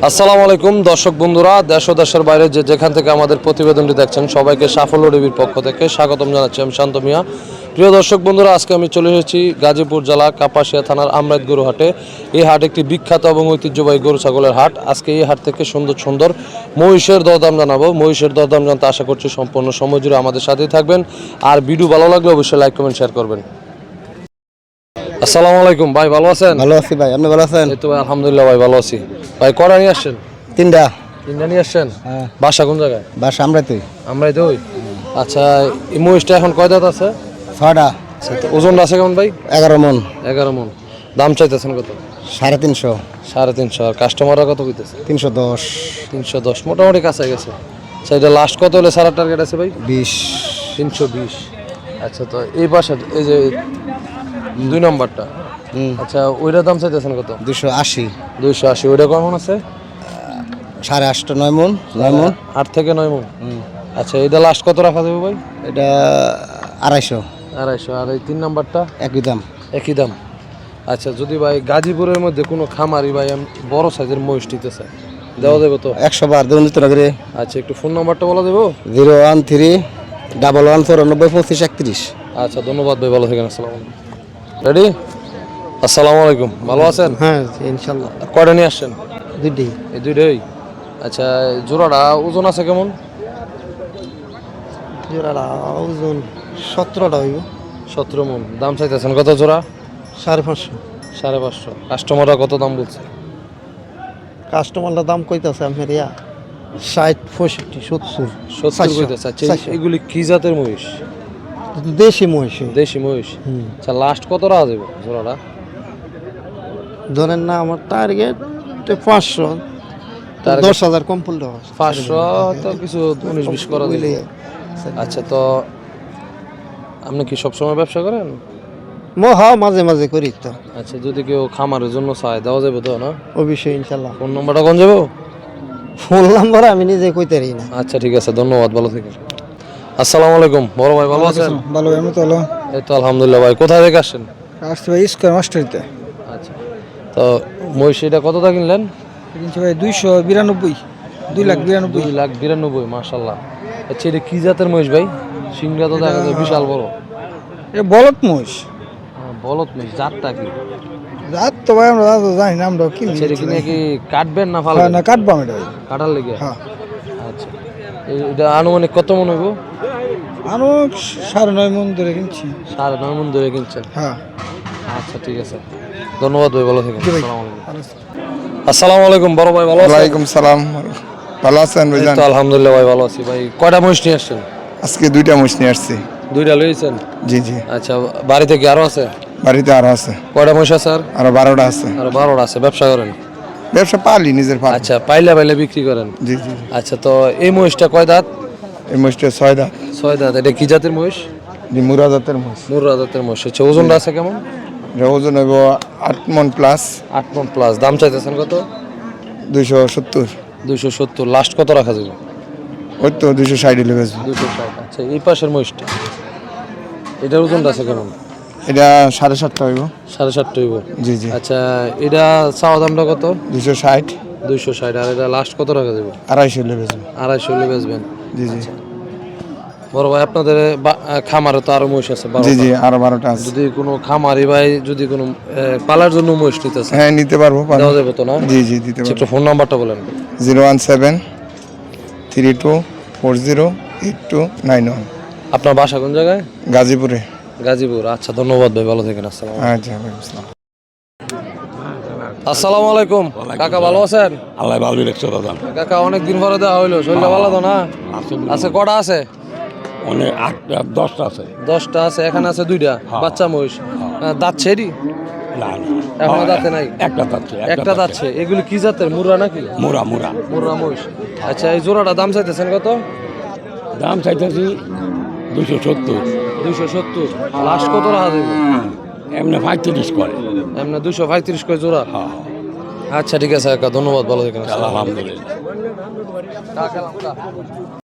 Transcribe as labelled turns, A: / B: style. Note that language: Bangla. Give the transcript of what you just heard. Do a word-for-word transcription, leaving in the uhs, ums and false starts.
A: আসসালামু আলাইকুম দর্শক বন্ধুরা, দেশ ও দেশের বাইরে যে যেখান থেকে আমাদের প্রতিবেদনটি দেখছেন সবাইকে সাফল্য টিভির পক্ষ থেকে স্বাগতম জানাচ্ছি। আমি শান্ত মিয়া। প্রিয় দর্শক বন্ধুরা, আজকে আমি চলে এসেছি গাজীপুর জেলা কাপাসিয়া থানার আমরাইত গরু হাটে। এই হাট একটি বিখ্যাত এবং ঐতিহ্যবাহী গরু ছাগলের হাট। আজকে এই হাট থেকে সুন্দর সুন্দর মহিষের দরদাম জানাবো। মহিষের দরদাম জানতে আশা করছি সম্পূর্ণ সময় জুড়ে আমাদের সাথেই থাকবেন। আর ভিডিও ভালো লাগলে অবশ্যই লাইক কমেন্ট শেয়ার করবেন। আসসালামু আলাইকুম ভাই, ভালো আছেন?
B: ভালো আছি ভাই, আপনি ভালো আছেন?
A: এই তো ভাই আলহামদুলিল্লাহ ভাই ভালো আছি। ভাই কটা নিয়ে আসছেন?
B: তিনটা।
A: তিনটা নিয়ে আসছেন?
B: হ্যাঁ।
A: বাসা কোন জায়গায়?
B: বাস আমরাই তুই
A: আমরাই তো। আচ্ছা, এই মহিষটা এখন কয় দাঁত আছে?
B: ছটা।
A: আচ্ছা, তো ওজনটা আছে কেমন ভাই?
B: এগারো মন।
A: এগারো মন। দাম চাইতেছেন কত?
B: সাড়ে তিনশো।
A: সাড়ে তিনশো। আর কাস্টমাররা কত কইতেছে?
B: তিনশো দশ।
A: তিনশো দশ, মোটামুটি কাছে গেছে। আচ্ছা, এটা লাস্ট কত হলে সারা টার্গেট আছে ভাই?
B: বিশ।
A: তিনশো বিশ। আচ্ছা, তো এই পাশে এই যে দুই নম্বরটা,
B: হুম।
A: আচ্ছা ওইটার দাম চাইতেছেন কত?
B: দুশো আশি।
A: দুইশো আশি। ওইটা কেমন আছে?
B: সাড়ে আটটা নয় মন। নয় মন।
A: আট থেকে নয় মন। আচ্ছা, এটা লাস্ট কত রাখা যাবে ভাই?
B: এটা আড়াইশো।
A: আড়াইশো। আর এই তিন নাম্বারটা?
B: একই দাম।
A: একই দাম। আচ্ছা, যদি ভাই গাজীপুরের মধ্যে কোনো খামারি ভাই আমি বড় সাইজের মহিষ নিতে চাই, দেওয়া যাবে তো?
B: একশো বার দেবেন দিতে করে।
A: আচ্ছা, একটু ফোন নাম্বারটা বলা দেবো?
B: Zero one three double one চৌরানব্বই পঁচিশ একত্রিশ।
A: আচ্ছা, ধন্যবাদ ভাই, ভালো থাকেন। আসসালামু আলাইকুম। রেডি? আসসালামু আলাইকুম, ভালো আছেন?
B: হ্যাঁ ইনশাল্লাহ।
A: কয়টা নিয়ে আসছেন?
B: দুইটি।
A: এই দুইটাই? আচ্ছা, জোড়াটা ওজন আছে কেমন?
B: জোড়াটা ওজন সতেরোটা হইব।
A: সতেরো মন। দাম চাইতেছেন কত জোড়া?
B: সাড়ে পাঁচশো।
A: সাড়ে পাঁচশো। কাস্টমাররা কত দাম বলছে?
B: কাস্টমারটা দাম কইতাছে আপনার ইয়া ষাট পঁয়ষট্টি সত্তর।
A: সত্তর কইতেছে। আচ্ছা, এগুলি কি জাতের মহিষ?
B: দেশি মহিষ।
A: দেশি মহিষ। আচ্ছা, লাস্ট কত রাখা যাবে জোড়াটা?
B: ধরেন না আমার টার্গেট পাঁচশো। দশ হাজার কম পড়লে
A: পাঁচশো তো কিছু উনিশ বিশ করা দিলে। আচ্ছা, তো আপনি কি সবসময় ব্যবসা করেন?
B: মহা মাঝে মাঝে করি তো।
A: আচ্ছা, যদি কেউ খামারের জন্য চায় দেওয়া যাবে তো না?
B: অবশ্যই ইনশাল্লাহ।
A: ফোন নাম্বারটা কোন যাবো?
B: ফোন নাম্বার আমি নিজে কইতে পারি না।
A: আচ্ছা, ঠিক আছে, ধন্যবাদ, ভালো থাকেন। আসসালামু আলাইকুম বড় ভাই, ভালো আছেন?
B: ভালো, আমি তো ভালো।
A: এই তো আলহামদুলিল্লাহ। ভাই কোথা থেকে আসছেন?
B: আসতে ভাই স্কোয়ার মাস্টারিতে।
A: আচ্ছা, তো মহিষ এটা কতটা কিনলেন?
B: কিনছি ভাই দুইশো বিরানব্বই। দুই লাখ বিরানব্বই।
A: দুই লাখ বিরানব্বই, মাশাল্লাহ। আচ্ছা, এটা কি জাতের মহিষ ভাই? সিংহটা তো দেখা যায় বিশাল বড়।
B: এটা বলদ মহিষ।
A: হ্যাঁ, বলদ মহিষ। জাতটা কি?
B: রাত তো ভাই আমরা তো জানি না, আমরা কি
A: সেটা কি নাকি কাটবেন না ফালবেন?
B: না কাটবাম এটা ভাই।
A: কাটার লেগে?
B: হ্যাঁ।
A: আচ্ছা, এই- এটা আনুমানিক কত মন হইব?
B: আরো সাড়ে নয় মন ধরে কিনছি।
A: সাড়ে নয় মন ধরে কিনছেন?
B: হ্যাঁ।
A: আচ্ছা, ঠিক আছে, ধন্যবাদ ভাই, ভালো থাকেন।
B: জি ভাই।
A: আসসালামু আলাইকুম। আসসালামু আলাইকুম বড় ভাই, ভালো আছেন?
C: ওয়ালাইকুম সালাম, ভালো আছেন
A: এই
C: ভাইজান?
A: তো আলহামদুলিল্লাহ ভাই, ভালো আছি। ভাই কয়টা মহিষ নিয়ে আসছেন?
C: আজকে দুইটা মোষ নিয়ে আসছি।
A: দুইটা লইছেন?
C: জি জি।
A: আচ্ছা, বাড়িতে কি আরো আছে?
C: বাড়িতে আরো আছে,
A: কয়টা মহিষ আছে? আর
C: আরো বারোটা আছে।
A: আরো বারোটা আছে। ব্যবসা করেন?
C: ব্যবসা পালি, নিজের পালি।
A: আচ্ছা, পাইলে পাইলে বিক্রি করেন?
C: জি জি জি।
A: আচ্ছা, তো এই মহিষটা কয় দাঁত?
C: এই মোষটা ছয় দাঁত।
A: ছয় দাঁত। এটা কি জাতের মহিষ?
C: জি, মুরা জাতের মোষ।
A: মুর্রা জাতের মহিষ। আচ্ছা, ওজনটা আছে কেমন?
C: এটা ওজন হইব আট মন প্লাস।
A: আট মন প্লাস। দাম চাইতেছেন কত?
C: দুইশো সত্তর।
A: দুইশো সত্তর। লাস্ট কত রাখা যাবে?
C: ওই তো দুইশো ষাট হলে বেচবো।
A: দুইশো ষাট। আচ্ছা, এই পাশের মহিষটা, এটার ওজনটা আছে কেমন?
C: এটা সাড়ে সাতটা হইব।
A: সাড়ে সাতটা হইব?
C: জি জি।
A: আচ্ছা, এটা চাওয়া দামটা কত?
C: দুইশো ষাট।
A: দুইশো ষাট। আর এটা লাস্ট কত রাখা যাবে?
C: আড়াইশো হলে বেচবো।
A: আড়াইশো হলে বেচবেন?
C: জি জি
A: বড় ভাই, আপনাদের বা- খামারে তো আরো মহিষ আছে?
C: জি
A: বারোটা।
C: জি, আরো বারোটা আছে।
A: যদি কোনো খামারি ভাই যদি কোনো আহ, পালার জন্য মহিষ নিতেছে,
C: হ্যাঁ, নিতে পারবো, পারবো।
A: দেওয়া যাবে তো না?
C: জি জি, দিতে
A: আচ্ছা,
C: পারবো।
A: একটু ফোন নাম্বারটা বলেন।
C: Zero one seven three two four zero eight two nine one.
A: আপনার বাসা কোন জায়গায়?
C: গাজীপুরে।
A: গাজীপুর। আচ্ছা, ধন্যবাদ ভাই, ভালো থাকেন। আসসালাম।
C: আচ্ছা ভাই, আসসালাম।
A: আসসালামু আলাইকুম কাকা, ভালো আছেন?
D: আল্লাহ ভালো রাখছো দাদা।
A: কাকা, অনেক দিন পরে দেওয়া হইলো, শরীরটা ভালো তো না? আছে কটা আছে?
D: অনেক আটটা দশটা আছে।
A: দশটা আছে। এখানে আছে দুইটা বাচ্চা মহিষ। আহ, দাঁত ছেড়ি?
D: না না,
A: এখনো দাঁতে নাই?
D: একটা যাচ্ছে।
A: একটা দাঁতছে। এগুলি কি জাতের? মুর্রা নাকি?
D: মোরা মোরা।
A: মুর্রা মহিষ। আচ্ছা, এই জোড়াটা দাম চাইতেছেন কত?
D: দাম চাইতেছি দুশো সত্তর।
A: দুইশো সত্তর। লাস্ট কত রাখা দেবে?
D: এমনি পঁয়ত্রিশ করে।
A: এমনি দুইশো পঁয়ত্রিশ করে জোড়া? আচ্ছা, ঠিক আছে কাকা, ধন্যবাদ, ভালো থাকেন।
D: আলহামদুলিল্লাহ।